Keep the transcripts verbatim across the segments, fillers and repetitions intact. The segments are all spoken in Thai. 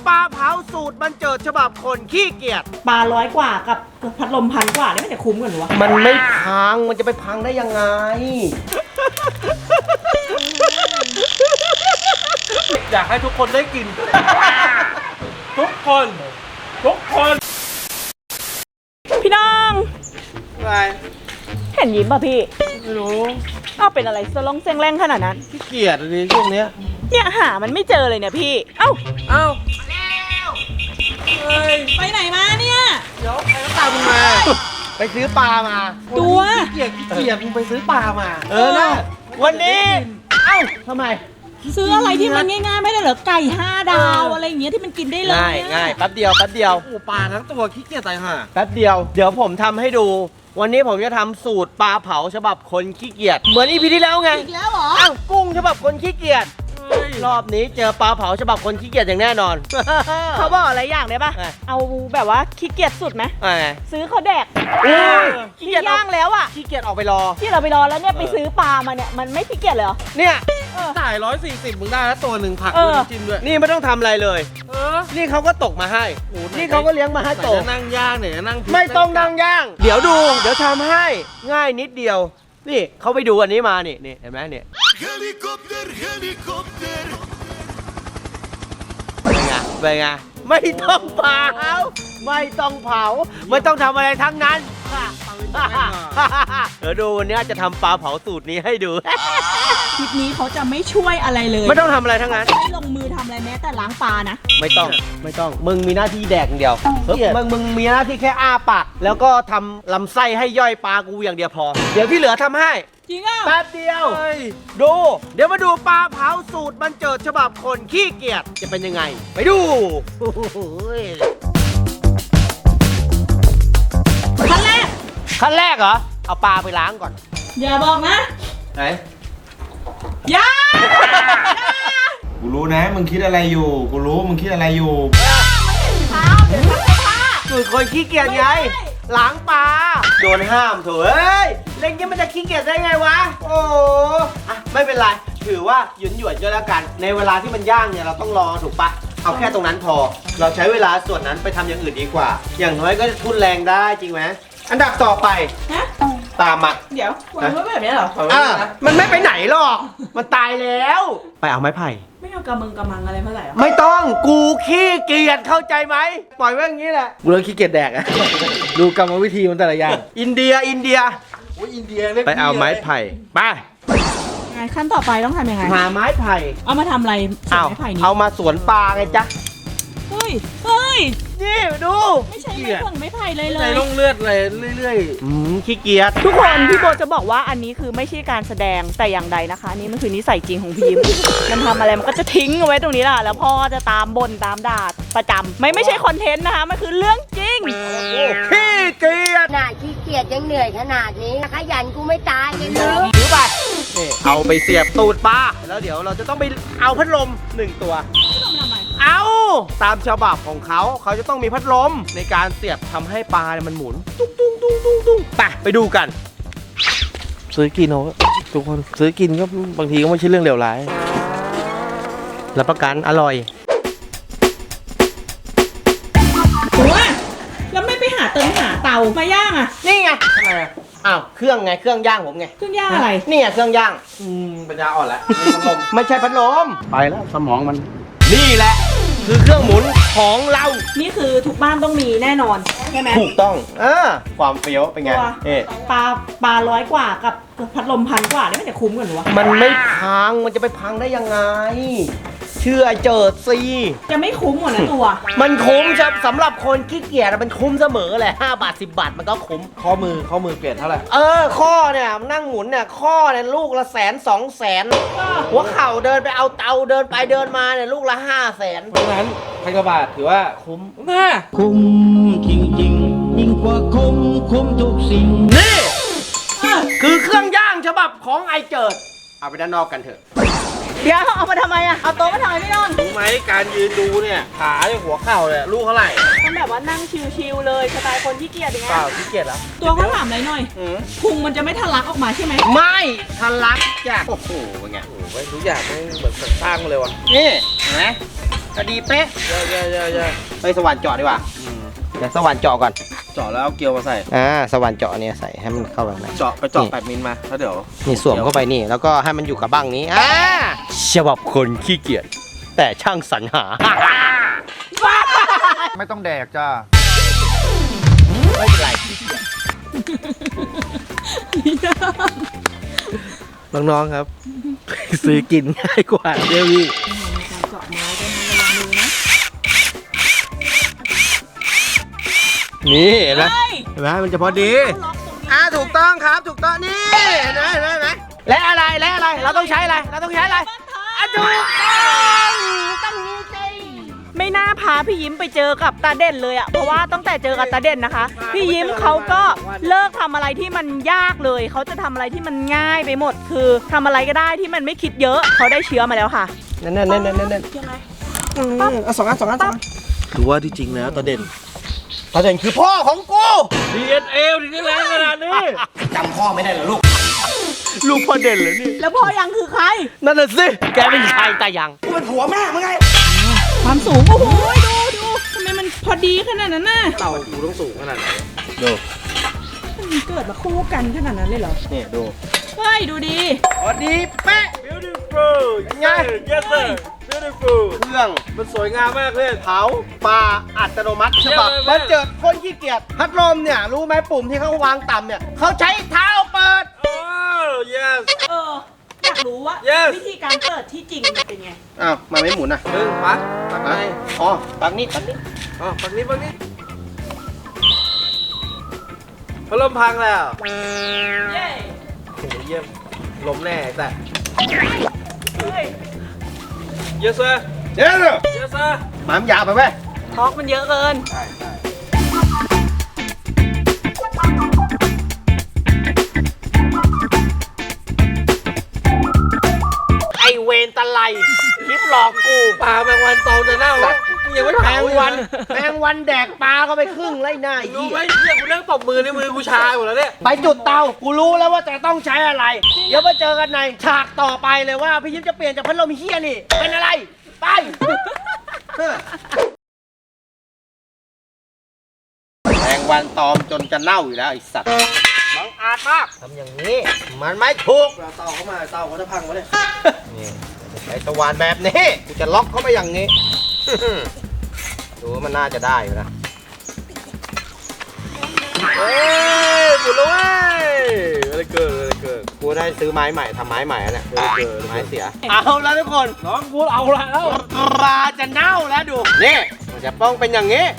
ปลาเผาสูตรบรรเจิดฉบับคนขี้เกียจปลาร้อยกว่ากับพัดลมพันกว่านี่มันจะคุ้มกันวะมันไม่พังมันจะไปพังได้ยังไง อยากให้ทุกคนได้กิน ทุกคนทุกคนพี่น้องอะไรเห็นยิ้มป่ะพี่ไม่รู้อ้าวเป็นอะไรสลงเซ็งแรงขนาดนั้นขี้เกียจเลยช่วงเนี้ยเนี่ยหามันไม่เจอเลยเนี่ยพี่เอ้าเอ้าเฮ้ยไปไหนมาเนี่ยเดี๋ยวใครก็ตามมึงมาไปซื้อปลามาตัวขี้เกียจขี้เกียจมึงไปซื้อปลามาเออนะวันนี้เอ้าทำไมซื้ออะไรที่มันง่ายๆไม่ได้เหรอไก่ห้าดาวอะไรอย่างเงี้ยที่มันกินได้เลยง่ายง่ายแป๊บเดียวแป๊บเดียวโอ้ปลาทั้งตัวขี้เกียจตายห่าแป๊บเดียวเดี๋ยวผมทำให้ดูวันนี้ผมจะทำสูตรปลาเผาฉบับคนขี้เกียจเหมือนอีพีที่แล้วไงอีกแล้วเหรออ้าวกุ้งฉบับคนขี้เกียจรอบนี้เจอปลาเผาฉบับคนขี้เกียจอย่างแน่นอนเขาบอกอะไรอย่างได้ปะเอาแบบว่าขี้เกียจสุดไหมซื้อเขาแดกขี้เกียจย่างแล้วอ่ะขี้เกียจออกไปรอที่เราไปรอแล้วเนี่ยไปซื้อปลามาเนี่ยมันไม่ขี้เกียจเลยเหรอเนี่ยจ่ายร้อยสี่สิบมึงได้แล้วตัวหนึ่งผักด้วยจิ้มด้วยนี่ไม่ต้องทำอะไรเลยนี่เขาก็ตกมาให้นี่เขาก็เลี้ยงมาให้โตนั่งย่างเนี่ยนั่งไม่ต้องนั่งย่างเดี๋ยวดูเดี๋ยวทำให้ง่ายนิดเดียวนี่เขาไปดูอันนี้มานี่นี่เห็นไหมเนี่ยเฮลิคอปเตอร์เฮลิคอปเตอร์เป็นไงเป็นไงไม่ต้องเผาไม่ต้องเผาไม่ต้องทำอะไรทั้งนั้นเดี๋ยวดูวันนี้จะทำปลาเผาสูตรนี้ให้ดูคลิปนี้เขาจะไม่ช่วยอะไรเลยไม่ต้องทำอะไรทั้งนั้นไม่ลงมือทำอะไรแม้แต่ล้างปลานะไม่ต้องไม่ต้องมึงมีหน้าที่แดกเดียวมึงมึงมีหน้าที่แค่อ้าปากแล้วก็ทำลำไส้ให้ย่อยปลากูอย่างเดียวพอเดี๋ยวที่เหลือทำให้จริงอ่ะแป๊บเดียวดูเดี๋ยวมาดูปลาเผาสูตรบรรเจิดฉบับคนขี้เกียจจะเป็นยังไงไปดูขั้นแรกขั้นแรกเหรอเอาปลาไปล้างก่อนอย่าบอกนะไหนอย่ากูรู้นะมึงคิดอะไรอยู่กูรู้มึงคิดอะไรอยู่สูตรคนขี้เกียจไงล้างปลาโดนห้ามเถอะเอ้ยเล่นยังมันจะขี้เกียจได้ไงวะโอ้อะไม่เป็นไรถือว่าหยุนหยวนก็แล้วกันในเวลาที่มันย่างเนี่ยเราต้องรอถูกปะเอาแค่ตรงนั้นพอเราใช้เวลาส่วนนั้นไปทำอย่างอื่นดีกว่าอย่างน้อยก็ทุนแรงได้จริงไหมอันดับต่อไปตามมาเดี๋ยววางไว้แบบนี้เหรออ่ะมันไม่ไปไหนหรอกมันตายแล้วไปเอาไม้ไผ่ไม่เอากระมึงกระมังอะไรเท่าไหร่ไม่ต้องกูขี้เกียจเข้าใจไหมปล่อยไว้อย่างนี้แหละกูเลิกขี้เกียจแดกอะดูกรรมวิธีมันแต่ละอย่างอินเดียอินเดียโอ้ยอินเดียไปเอาไม้ไผ่ไปไงขั้นต่อไปต้องทำยังไงหาไม้ไผ่เอามาทำอะไรสวนไม้ไผ่นี้เอามาสวนปลาไงจ๊ะเฮ้ยเฮ้ยนี่ดูไม่ใช่ไม่ผงไม่ไผ่เลยเลยใจลงเลือดเลยเรื่อยๆอืมขี้เกียจทุกคนพี่โบจะบอกว่าอันนี้คือไม่ใช่การแสดงแต่อย่างใดนะคะนี่มันคือนิสัยจริงของพี่ยิ้มมันทำอะไรมันก็จะทิ้งเอาไว้ตรงนี้แหละแล้วพ่อจะตามบ่นตามด่าประจำไม่ไม่ใช่คอนเทนต์นะคะมันคือเรื่องจริงขี้เกียจขนาดขี้เกียจยังเหนื่อยขนาดนี้ขยันกูไม่ตายเลยลูกถือไปเอาไปเสียบตูดปลาแล้วเดี๋ยวเราจะต้องไปเอาพัดลมหนึ่งตัวเอาตามฉบับของเขาเขาจะต้องมีพัดลมในการเสียบทำให้ปลาเนี่ยมันหมุนตุ้งตุ้งตุ้งตุ้งตุ้งไปไปดูกันซื้อกินเอาทุกคนซื้อกินก็บางทีก็ไม่ใช่เรื่องเลวร้ายรับประกันอร่อยหัวแล้วไม่ไปหาเติมหาเตามาย่างอ่ะนี่ไงทำไมอ่ะอ้าวเครื่องไงเครื่องย่างผมไงเครื่องย่างอะไรนี่ไงเครื่องย่างอืมปัญญาอ่อนแล้วพัดลมไม่ใช่พัดลมไปแล้วสมองมันนี่แหละคือเครื่องหมุนของเรานี่คือทุกบ้านต้องมีแน่นอนใช่ไหมถูกต้องเออความเฟี้ยวเป็นไงเอ๊ะปลาปลาร้อยกว่ากับพัดลมพันกว่านี่มันจะคุ้มกันหรอวะมันไม่พังมันจะไปพังได้ยังไงเชื่อเจิดซีจะไม่คุ้มหมดนะตัวมันคุ้มสำหรับคนขี้เกียจมันคุ้มเสมอแหละห้าบาทสิบบาทมันก็คุ้มข้อมือข้อมือเปลี่ยนเท่าไหร่เออข้อเนี่ยนั่งหมุนเนี่ยข้อเนี่ยลูกละแสนสองแสนหัวเข่าเดินไปเอาเตาเดินไปเดินมาเนี่ยลูกละห้าแสนเพราะฉะนั้นพันกว่าบาทถือว่าคุ้มนะคุ้มจริงจริงยิ่งกว่าคุ้มคุ้มทุกสิ่งนี่คือเครื่องย่างฉบับของไอเจิดเอาไปด้านนอกกันเถอะเดี๋ยวเอามาทำไมอะเอาโต๊ะมาทำไมพี่น้องรู้ไหมการยืนดูเนี่ยขาเนี่ยหัวเข่าเนี่ยลูกเท่าไหร่มันแบบว่านั่งชิวๆเลยสไตล์คนที่เกียจอย่างเงี้ยเปล่าที่เกียจแล้วตัวเขาถามอะไรหน่อยพุงมันจะไม่ทะลักออกมาใช่ไหมไม่ทะลักจ้ะโอ้โหเป็นไงโอ้โหทุกอย่างไม่เหมือนสร้างมาเลยวะนี่เห็นไหมพอดีเป๊ะเยอะเยอะเยอะเยอะไปสว่านเจาะดีกว่าเดี๋ยวสว่านเจาะก่อนเจาะแล้วเอาเกลียวมาใส่อ่าสว่านเจาะเนี่ยใส่ให้มันเข้าแบบไหนเจาะไปเจาะแปดมิลมาแล้วเดี๋ยวนี่สวมเข้าไปนี่แล้วก็ให้มันอยู่กับบ้างนี้อ่าฉบับคนขี้เกียจแต่ช่างสรรหาไม่ต้องแดกจ้าไม่เป็นไรน้องๆครับ ซื้อกินง่ายกว่าเดี๋ยวพี่เจาะไม้ด้วยนะระวังมือนะนี่เห็นไหมเฮ้ยเห็นไหมมันจะพอดีล็อกตรงนี้อ่าถูกต้องครับถูกต้องนี่เห็นไหมเห็นไหมเห็นไหมและอะไรและอะไรเราต้องใช้อะไรเราต้องใช้อะไรอ่ะถูกต้องต้องนี้สิไม่น่าพาพี่ยิ้มไปเจอกับตาเด่นเลยอะเพราะว่าตั้งแต่เจอกับตาเด่นนะคะ พี่ยิ้มเขาก็เลิกทำอะไรที่มันยากเลย เขาจะทำอะไรที่มันง่ายไปหมด คือทำอะไรก็ได้ที่มันไม่คิดเยอะ เขาได้เชื้อมาแล้วค่ะนั่นนั่นนั่นนั่นนั่นยังไงเอาสองอันสองอันสองอันถือว่าที่จริงแล้วตาเด่นตาเด่นคือพ่อของกูดีเอ็นเอถึงได้แรงขนาดนี้จำพ่อไม่ได้เหรอลูกลูกพ่อเด่นเหรอนี่แล้วพ่อยังคือใครนั่นน่ะสิแกเป็นชายตายังกูเป็นผัวแม่มึงไงความสูง โอ้โห ดูดูทำไมมันพอดีขนาดนั้นน่ะเต่ากูต้องสูงขนาดไหนดูมันเกิดมาคู่กันขนาดนั้นเลยเหรอนี่ดูเฮ้ย ดูดีพอดีเป๊ะ beautiful ไง yes sir beautiful เครื่องมันสวยงามมากเลยเผาปลาอัตโนมัติฉบับเยี่ยมเลยมันเจิดคนขี้เกียจพัดลมเนี่ยรู้ไหมปุ่มที่เขาวางต่ำเนี่ยเขาใช้เท้าเปิดโอ้ yes เออ อยากรู้ว่า Yes วิธีการเปิดที่จริงมันเป็นไงอ้าวมาไม่หมุนอ่ะหนึ่งปักปักในอ๋อปักนี้ปักนี้อ๋อปักนี้ปักนี้พัดลมพังแล้วเย้โอ้โหเยี่ยมลมแน่แต่เฮ้ย yes sir เดี๋ยว yes sir หมามนยาวไปไหมทอกมันเยอะเกินใช่ใช่ไอเวนตะไลคลิปหลอกกูปลาแมงวันตองจะเน่าแล้วมึงยังไม่แมเผาง อีกวันนะแมงวันแดกปลาก็ไปครึ่งไล่หน้าไอ้รู้เหี้ไหมยเฮียกูนั่งตบมือในมือกูชาหมดแล้วเนี่ยไปจุดเตากูรู้แล้วว่าจะต้องใช้อะไร เดี๋ยวมาเจอกันในฉากต่อไปเลยว่าพี่ยิ้มจะเปลี่ยนจากพัดลมเฮี้ยนี่ เป็นอะไร ไปแมงวันตอมจนจะเน่าอยู่แล้วไอสัตว์บังอาจมากทำอย่างนี้ มันไม่ถูกเตาเข้ามาเตาเขาจะพังวะเนี่ยนี่ใช้สว่านแบบนี้กูจะล็อกเข้าไปอย่างนี้ ดูว่ามันน่าจะได้อยู่นะเฮ้ยหมุนแล้วเว้ยอะไรเกิดอะไรเกิดกูได้ซื้อไม้ใหม่ทำไม้ใหม่แล้วเนี่ยเออเออไม้เสีย เอาแล้วทุกคนน้องกูเอาละแล้วปลาจะเน่าแล้วดู นี่มันจะต้องเป็นอย่างนี้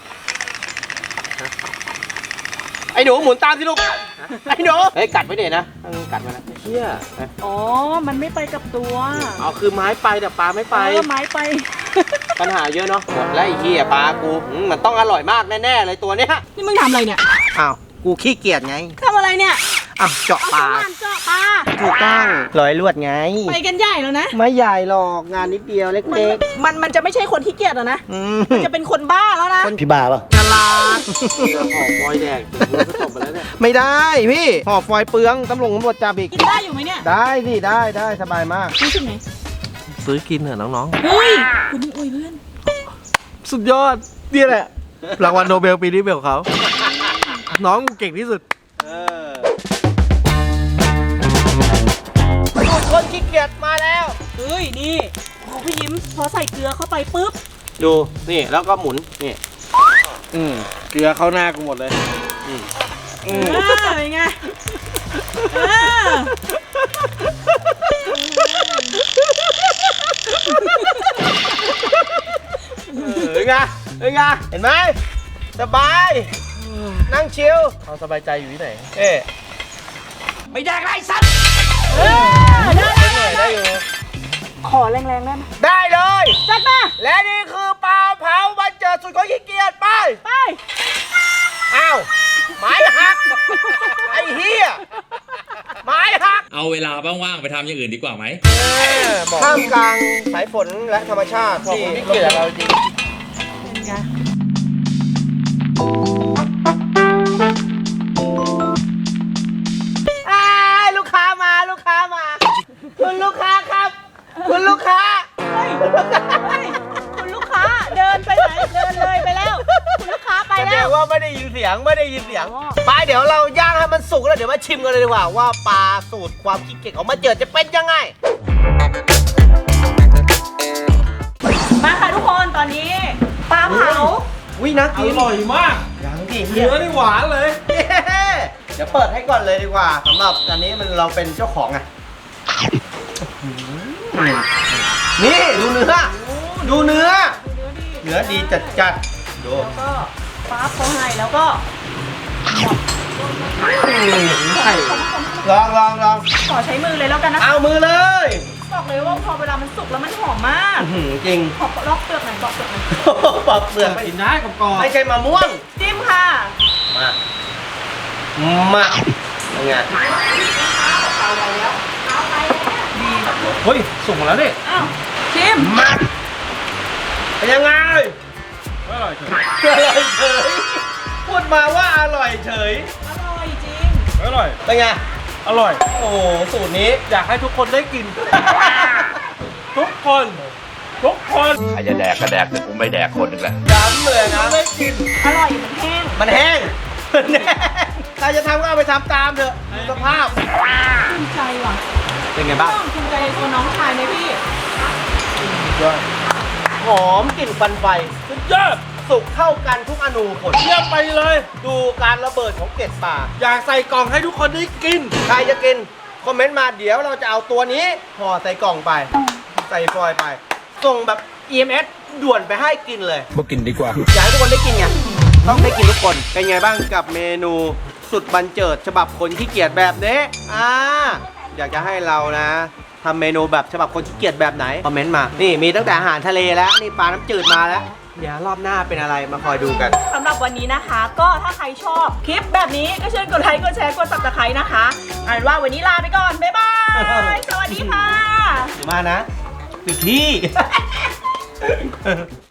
ไอ้หนูหมุนตามสิลูก ไอ้หนูเฮ้ยกัดไว้เดี๋ยวนะต้องกัดมานะเฮียอ๋อ มันไม่ไปกับตัวเอาคือไม้ไปแต่ปลาไม่ไปเออไม้ไปปัญหาเยอะเนาะหมดแล้วไอ้เหี้ยปลากูอืมมันต้องอร่อยมากแน่ๆเลยตัวเนี้ยนี่มึงทำอะไรเนี่ยอ้าวกูขี้เกียจไงทำอะไรเนี่ยอ้าวเจาะเอาปสลาว่านเจาะปลาถูกต้องร้อยลวดไงไปกันใหญ่แล้วนะไม่ใหญ่หรอกงานนิดเดียวเมันล็กมันมันจะไม่ใช่คนที่เกียจแล้วนะๆอืมมันจะเป็นคนบ้าแล้วนะพี่บ้าป่ะฉลาดหอมฟอยแดงกูก็จบไปแล้วเนี่ยไม่ได้พี่ห่อฟอยล์เปลืองตำรวจตำรวจจับอีกกินได้อยู่ไหมเนี่ยได้สิได้ได้สบายมากรู้สึกไงซื้อกินเถอะน้องเฮ้ย คุณนี่อวยเพื่อนๆ สุดยอดนี่แหละ รางวัลโนเบลปีนี้เป็นของเขา น้องกูเก่งที่สุดเออสูตรคนขี้เกียจมาแล้วเฮ้ย นี่โอ้พี่ยิ้มพอใส่เกลือเข้าไปปุ๊บดู นี่ แล้วก็หมุน นี่อืมเกลือเข้าหน้ากูหมดเลยเออเป็นไงเออเห็นไงเห็นไงเห็นไหม สบาย นั่งชิลเอาสบายใจอยู่ที่ไหนเอ๊ะไม่ได้ไรสัตว์เออได้ได้ได้ได้อยู่ขอแรงๆได้ไหมได้เลยจัดมาและนี่คือปลาเผาวันเจิดสุดของขี้เกียจไปไปอ้าวไม้หัก ไอ้เหี้ยไม้หักเอาเวลาว่างๆไปทำอย่างอื่นดีกว่าไหมท่ามกลางสายฝนและธรรมชาติที่ขี้เกียจเราจริงเป็นไงอ้ายลูกค้ามาลูกค้ามา คุณลูกค้าครับ คุณลูกค้าเฮ้ยเฮ้ยคุณไม่ได้ยินเสียงไม่ได้ยินเสียงไปเดี๋ยวเราย่างให้มันสุกแล้วเดี๋ยวมาชิมกันเลยดีกว่าว่าปลาสูตรความขี้เกียจของมาเจิดจะเป็นยังไงมาค่ะทุกคนตอนนี้ปลาเผาวิน่าอกินร่อยมากยังดิเนื้อนี่หวานเลยเดี๋ยวเปิดให้ก่อนเลยดีกว่าสำหรับอันนี้มันเราเป็นเจ้าของไงนี่ดูเนื้อดูเนื้อ เนื้อดีจัดจัดๆดูแล้วก็ป๊าบเขาให้แล้วก็ใช่ลองลองลองขอใช้มือเลยแล้วกันนะเอามือเลยบอกเลยว่าพอเวลามันสุกแล้วมันหอมมากอื้อหือจริงขอลอกเปลือกหน่อยลอกเปลือกหน่อยปอกเปลือกไม่กินได้กับกรอบไม่ใช่มะม่วงจิ้มค่ะมามาเป็นไงเอาไปแล้วเอาไปแล้วดีเฮ้ยส่งมาแล้วนี่อ้าวชิมมาเป็นยังไงอร่อยเฉยอร่อยเฉยพูดมาว่าอร่อยเฉยอร่อยจริงอร่อยเป็นไงอร่อยโอ้โหสูตรนี้อยากให้ทุกคนได้กิน ทุกคน ทุกคนใครจะแดกก็แดกแต่กูไม่แดกคนหนึ่งแหละย้ำเลยนะได้กินอร่อยเหมือนแห้งมันแห้งมันแห้งใครจะทำก็เอาไปทำตามเถอะดูสภาพภูมิใจว่ะเป็นไงบ้างต้องภูมิใจในตัวน้องชายไหมพี่หอมกลิ่นควันไฟสุดยอดสุกเข้ากันทุกอนูผลเยี่ยมไปเลยดูการระเบิดของเกล็ดปลาอยากใส่กล่องให้ทุกคนได้กินใครจะกิน คอมเมนต์มาเดี๋ยวเราจะเอาตัวนี้ห่อใส่กล่องไป ใส่ฟอยล์ไป ส่งแบบ อี เอ็ม เอส ด่วนไปให้กินเลยบ่กินดีกว่าอยากให้ทุกคนได้กินไง ต้องได้กินทุกคน เป็นไงบ้างกับเมนูสุดบันเจิดฉบับคนขี้เกียจแบบนี้ อ่า อยากจะให้เรานะทำเมนูแบบฉบับคนขี้เกียจแบบไหน คอมเมนต์มา นี่มีตั้งแต่อาหารทะเลแล้ว นี่ปลาน้ำจืดมาแล้ว เดี๋ยวรอบหน้าเป็นอะไรมาคอยดูกันสำหรับวันนี้นะคะ ก็ถ้าใครชอบคลิปแบบนี้ก็เชิญกดไลค์กดแชร์กด ซับสไครบ์ นะคะเอาเป็นว่าวันนี้ลาไปก่อน บ๊ายบาย สวัสดีค่ะเดี๋ยวมานะถึงที่